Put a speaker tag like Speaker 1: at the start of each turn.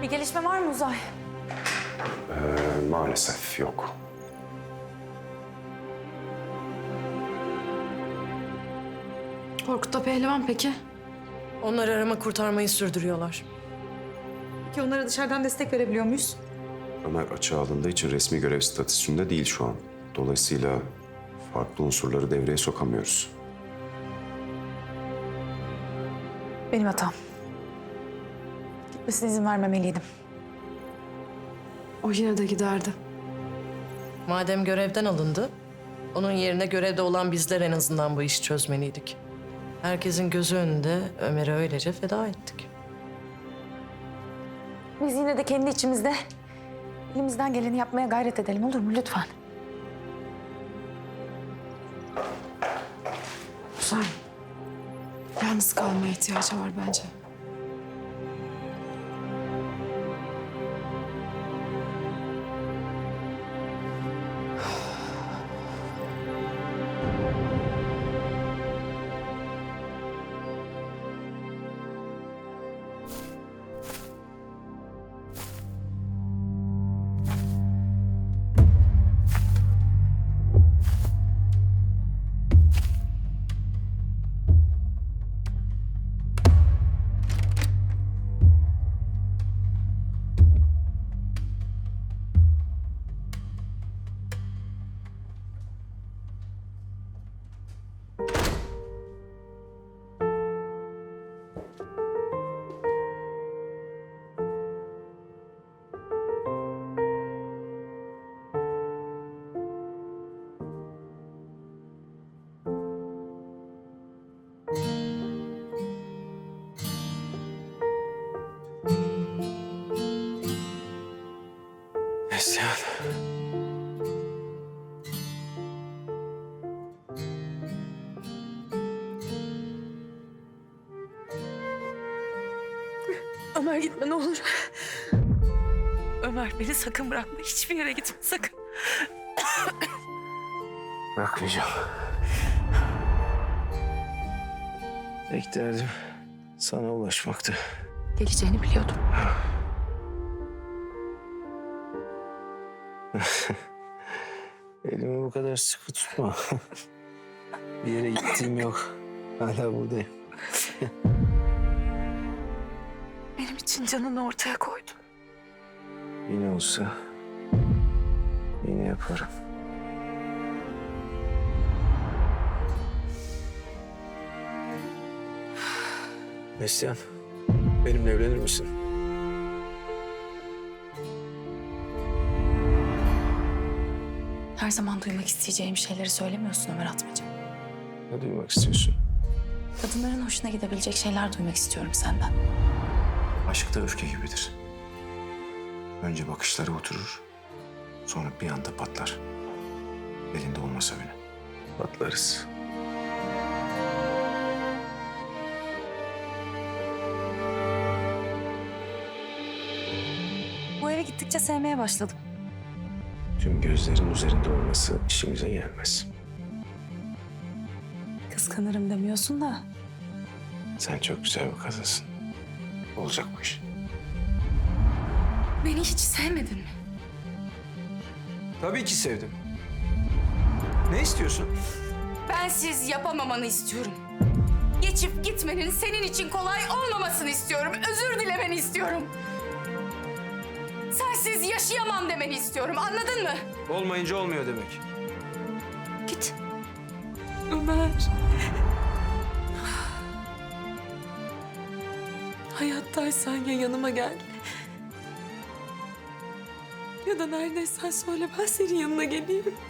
Speaker 1: Bir gelişme var mı Uzay?
Speaker 2: Maalesef yok.
Speaker 3: Korkut'ta pehlivan peki?
Speaker 4: Onlar arama kurtarmayı sürdürüyorlar.
Speaker 1: Peki onlara dışarıdan destek verebiliyor muyuz?
Speaker 2: Ömer açığa alındığı için resmi görev statüsünde değil şu an. Dolayısıyla farklı unsurları devreye sokamıyoruz.
Speaker 1: Benim hatam. Gitmesine izin vermemeliydim.
Speaker 3: O yine de giderdi.
Speaker 4: Madem görevden alındı, onun yerine görevde olan bizler en azından bu işi çözmeliydik. Herkesin gözü önünde Ömer'e öylece feda ettik.
Speaker 1: Biz yine de kendi içimizde elimizden geleni yapmaya gayret edelim, olur mu lütfen?
Speaker 3: Uzay. Yalnız kalmaya ihtiyacı var bence.
Speaker 2: Neslihan.
Speaker 5: Ömer gitme ne olur. Ömer beni sakın bırakma. Hiçbir yere gitme sakın.
Speaker 6: Bırakmayacağım. Tek derdim sana ulaşmaktı.
Speaker 5: Geleceğini biliyordum.
Speaker 6: Elimi bu kadar sıkı tutma. Bir yere gittiğim yok. Hala buradayım.
Speaker 5: Benim için canını ortaya koydun.
Speaker 6: Yine olsa yine yaparım. Neslihan, benimle evlenir misin?
Speaker 5: Her zaman duymak isteyeceğim şeyleri söylemiyorsun Ömer Atmaca.
Speaker 6: Ne duymak istiyorsun?
Speaker 5: Kadınların hoşuna gidebilecek şeyler duymak istiyorum senden.
Speaker 2: Aşk da öfke gibidir. Önce bakışları oturur, sonra bir anda patlar. Elinde olmasa bile.
Speaker 6: Patlarız.
Speaker 1: Bu eve gittikçe sevmeye başladım.
Speaker 6: Tüm gözlerin üzerinde olması işimize gelmez.
Speaker 1: Kıskanırım demiyorsun da.
Speaker 6: Sen çok güzel bir kadınsın. Olacak bu iş.
Speaker 5: Beni hiç sevmedin mi?
Speaker 6: Tabii ki sevdim. Ne istiyorsun?
Speaker 5: Bensiz yapamamanı istiyorum. Geçip gitmenin senin için kolay olmamasını istiyorum. Özür dilemeni istiyorum. Sensiz yaşayamam demeni istiyorum. Anladın mı?
Speaker 6: Olmayınca olmuyor demek.
Speaker 5: Git. Ömer. Hayattaysan ya yanıma gel. Ya da neredeysen söyle ben senin yanına geleyim.